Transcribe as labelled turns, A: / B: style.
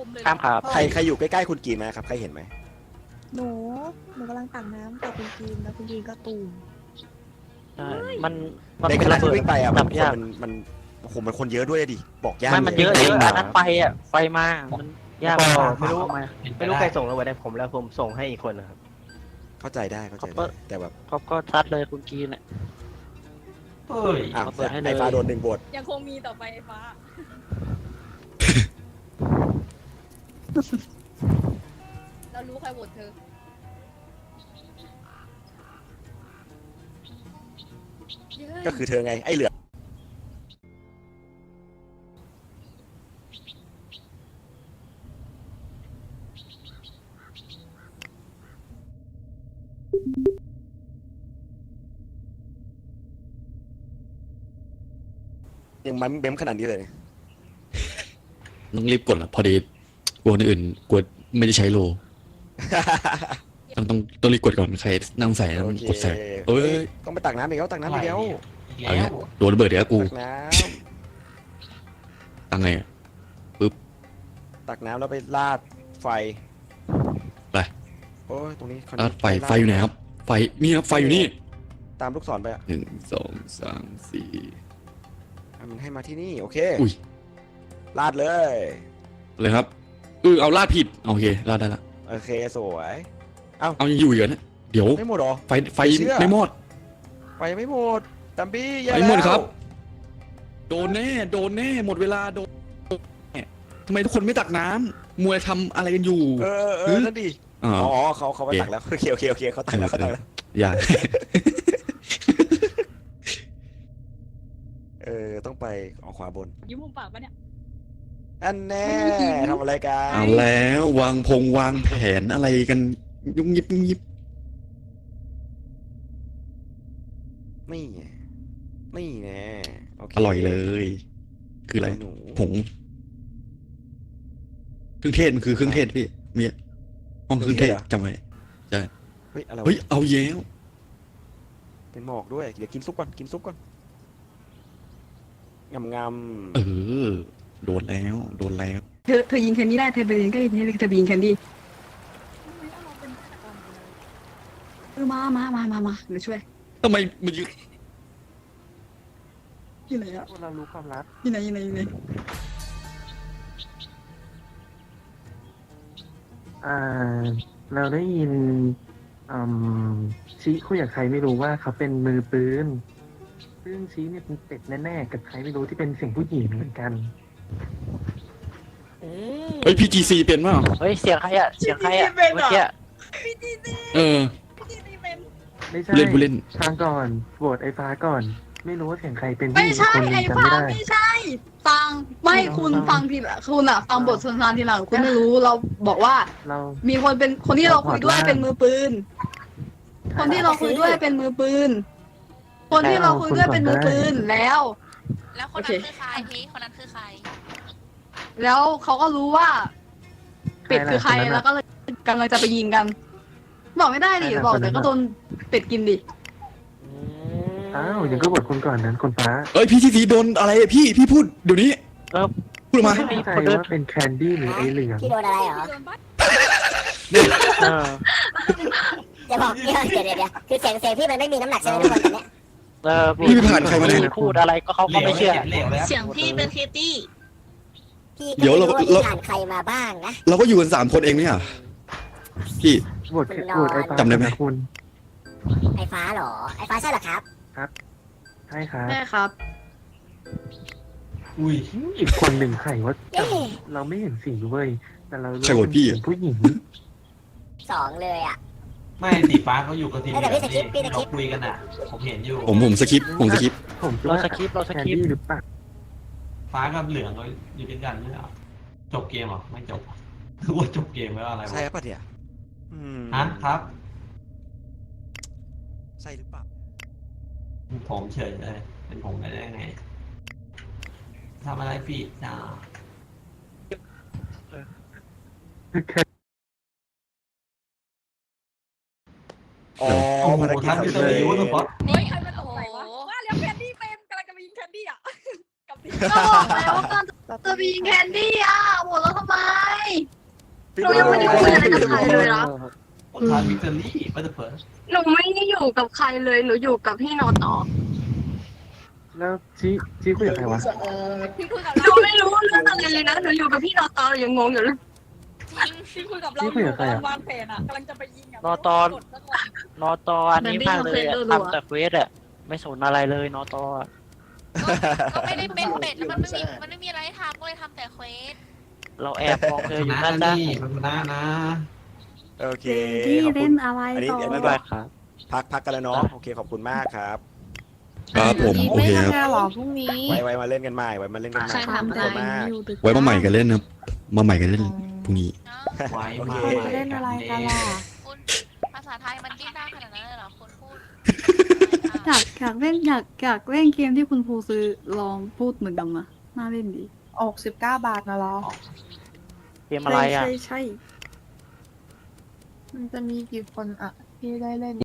A: เลย
B: ข้ามครับ
C: ใครอยู่ใกล้ๆคุณกีนไหมครับใครเห็นไหม
D: หนูกำลังตักน้ำกับคุณจีนแล้วคุณจีนก็ตูม
B: ใช่มัน
C: ในขณะที่
B: ระเบิด
C: วิ่งไปอ่ะมัน
B: จับยาก
C: มันโอ้โหมันคนเยอะด้วยดิบอกยาก
B: มันเยอะ
C: ล
B: เยอะอันนั้นไฟอ่ะไฟมามันยาก
E: ไม่รู้
B: เอามา
E: ไม่รู้ใครส่งเราไว้ได้ผมแล้วผมส่งให้อีกคนนะครับ
C: เข้าใจได้แต่แบบ
B: เขาก็ซัดเลยคุณกีนเนี่ย
F: เฮ้ย
C: อ่ะ
B: เปิดให้เลย
C: ไอ้ฟ้าโดน1 โหวต
A: ยังคงมีต่อไปไอ้ฟ้า เรารู้ใครโหวตเธอ
C: ก็คือเธอไงไอ้เหลือยังมันเบ้มขนาดนี้เลย
G: ต้องรีบกดละพอดีกลัวคนอื่นกลัวไม่ได้ใช้โล ต้องรีบกดก่อนใครนั่งใส่แล้ว
C: โอเค
G: กดใส่เอ้ย
C: ต้องไปตักน้ำอีกแล้วตักน้ำอีกแล้ว
G: เอาเงี้ยโดนระเบิดเดี๋ยวกู
C: ตักน้
G: ตังไงอะ
C: ำตักน้ำแล้วไปลาดไฟ
G: ไป
C: โอ้ยตรงนี้คราว
G: อ่ะ
C: นี้
G: ไฟอยู่ไหนครับไฟนี่ครับไฟอยู่นี่
C: ตามลูกศรไปอ่ะ
G: 1 2 3 4
C: มันให้มาที่นี่โอเค
G: อุ้ย
C: ลาดเลย
G: เลยครับเอาลาดผิดโอเคลาดได้ละ
C: โอเคสวย
G: เอายังอยู่อีกเหรอเนี่ยเดี๋ยว
C: ไม่หมดหรอ
G: ไฟ
C: ไม่เชื่อ
G: ไม่หมด
C: ไฟไม่หมดตัมบี้แย่
G: ไม่หมด
C: แล้ว
G: ครับ โดนแน่หมดเวลาโดนแน่ทำไมทุกคนไม่ตักน้ำมัวทำอะไรกันอยู่
C: นั่นดิ
G: อ๋อ
C: อ๋อเขาไปตักแล้วโอเคเขาตักแล้วเขาตักแล้ว
G: อย่า
C: ต้องไปออกขวาบน
A: ยิ้มมุมปากปะเนี่ย
C: อันแน่ทำอะไรกัน
G: เอาแล้ววางแผนอะไรกันยุ่งยิบ
C: ไม่ไงไม่แน่โอเค
G: อร่อยเลย คืออะไร
C: หนู
G: ผงเครื่องเทศมันคือเครื่องเทศพี่มีห้องเครื่องเทศจำไว้
C: เฮ้ยอะไรวะ
G: เฮ้ยเอาแย้ว
C: เป็นหมอกด้วยเดี๋ยวกินซุปก่อนงำ
G: โดนแล้ว
D: เธอยิงแคนดี้ได้เธอไปยิงก็ยิงเธอไปยิงแคนดี้มาเดี๋ยวช่วย
G: ทำไมมันอยู่
D: อยู่ไหนอะ
E: พวกเรารู้ความลับ
D: อยู่ไหน
E: เราได้ยินชี้คุยกับใครไม่รู้ว่าเขาเป็นมือปืนซึ่งชี้เนี่ยเป็นเป็ดแน่ๆกับใครไม่รู้ที่เป็นเสียงผู้หญิงเหมือนกัน
G: เฮ้ย PGC เป็นมั้ง
B: เฮ้ยเสียงใครอ่ะเสียงใครอ่ะเมื่อกี้
G: เออ
E: ไม่ใช่
G: ผู้เล่น
E: ฟังก่อนโหวตไอ้ฟ้าก่อน ไม่รู้ว่าเสียงใครเป็นผู้ห
D: ไม่
E: ญิง
D: ใช่
E: คนหนึ
D: ไอ้
E: งจำ
D: ฟั
E: ไม่
D: ง
E: ได้
D: ไม่ใช่ฟังไม่คุณฟังทีหลังคุณอะฟังบทสนทนาทีหลังคุณไม่รู้เราบอกว่า
E: เรา
D: มีคนที่เราคุยด้วยเป็นมือปืน คนที่เราคุยด้วยเป็นมือปืน คนที่เราคุยด้วยเป็นมือปืนแล้ว
H: แล้วคนนั้นคือใครพี่คนนั้นคือใคร
D: แล้วเขาก็รู้ว่าเป็ดคือใครแล้วก็เลยกำลังจะไปยิงกัน บอกไม่ได้ดิบอกแต่ก็โดนเป็ดกินดิ
E: อ้าวยังก็โหวตคุณก่อนนั้นคนฟ้า
G: เอ้ย PGC โดนอะไรอะพี่พูดเดี๋ยวนี้ พูดออกมา
E: ไม่แน่ใจว่าเป็นแคนดี้หรือไอ้เหลือง
I: พี่โดนอะไรเหรอ
A: โดนบัต
I: อย่าบอกเดี๋ยวคือเสียงพี่มันไม่มีน้ำหนักใช่ไหมทุกคนตอนเนี้ย
G: พี่ไปผ่านใครมาเนี่ย
B: พูดอะไรก็เขาก็ไม่เชื่อ
H: เสียงพี่เป็นคิตตี้
I: พี่ก็
G: เดี๋ยว
I: ไม่
G: เรา
I: รู้ว่าพี่ผ่านใครมาบ้างนะ
G: เราก็อยู่กัน3 คนเองเนี่ยพี่
E: โหวตไอ้ฟ้า
G: จำได้ไหม
E: คุณ
I: ไอ้ฟ้าเหรอ ไอ้ฟ้าใช่เหรอครับ
E: ใช่ครับ
D: ใช่ครับ
F: อุ้ย
E: อีกคนหนึ่งใครว่า
I: เย้
E: เราไม่เห็นสีเว้ยแต่เรารู้
G: ใครโหวตพี่
E: เป็นผู้หญิง
I: 2เลยอ่ะ
F: ไม่สีฟ้าเขาอยู่กับทีม
I: แต่พี่สคริปต์
F: เราคุยกันอ่ะ ผมเห็นอยู่
G: ผมสคิปผมสคิป
E: ผมคิด
B: เรา
E: ว่า
B: สคริปต์เราส
E: แคน
B: คริปต์
E: ดี้หรือเปล่า
F: ฟ้ากับเหลืองเขาอยู่ด้วยกันไม่ใช่เหรอจบเกมเหรอไม่จบคือว่าจบเกมแล้วอะไรวะ
C: ใช่ปะเนี่ย
F: ฮะครับ
C: ใช่หรือเปล่า
F: ผมเฉยเลยเป็นผมได้ไงทำอะไรผิดนะ
C: อ๋อ
F: โอ้โห
C: ภารกิจ
F: ท่านพิ
C: สำ
F: เศ
C: เร็
F: ษว่า
C: จ
F: สปอต
A: เฮ้ยใครมาตกไหนวะว่าแล้วแคนดี้เป็นกำลังจะมายิงแคนดี้อ่ะกับดิ
D: ก็บอกแล้วว่าจะไปยิงแคนดี้อ่ะโหวตแล้วทำไมหนูยังไม่ได้คุยอะไรกับใครเลยนะ
F: คนทานวิกตอรี่บัตเตอร์เฟิร์ส
D: หนูไม่ได้อยู่กับใครเลยหนูอยู่กับพี่นอต่อ
E: แล้วชี้คุยกับใครวะ
A: พี่คุยกับ
D: หนู
A: เรา
D: ไม่รู้เรื่องอะไรเลยนะหนูอยู่กับพี่นอต่อยังงงอยู่เลย
A: พี่คุยกับเราอยู่กำลังวางแผนอ่ะกำลังจะไปยิงอ่ะ
B: นอตอน นอตออันนี้มากเลยอะทำแต่เควสอะไม่สนอะไรเลยนอตออะ
H: ก็ไม่ได้เป็นเป็ดแล้วมันไม่มีอะไรให้ทำก็เลยทำแต่เควส
B: เราแอบมองเธออยู่
F: นะ
B: นั่นนะ
F: นี่มันนะนะ
C: โอเค
D: ที่
C: ขอบคุ
D: เล่
C: ณ
D: นอะไร
C: อันนี้
D: ต่อ
C: อัน
B: บ๊า
C: นี้
B: ยบายครับ
C: พักกันแล้วเนาะโอเคขอบคุณมากครับ
G: ครับผมโอเคครับ
J: หรอพรุ่งนี้
C: ไว้มาเล่นกันใหม่ไว้มาเล่นกันใหม่
D: ใคร
C: ขอบ
D: ทำ
C: คุณ
D: ได้
C: มาก
D: อยู่ตึก
G: ไว้มาใหม่กันเล่นครับมาใหม่กันเล่นพรุ่งนี้
H: เนาะ
F: ไว้
C: โอ
F: มา
C: เค
J: เล่นอะไรกันล่ะ
H: คุณภาษาไทยมันดิ้นได้ขนาดนั้นเลยเหรอคุณพูด
D: อยากเล่นเกมที่คุณครูซื้อลองพูดเหมือนกันนะน่าเล่นดี
J: 19 บาทนะเหรอ
B: เกมอะไรอะ
D: ใช่
J: มันจะมีกี่คนอะที่ได้เล่น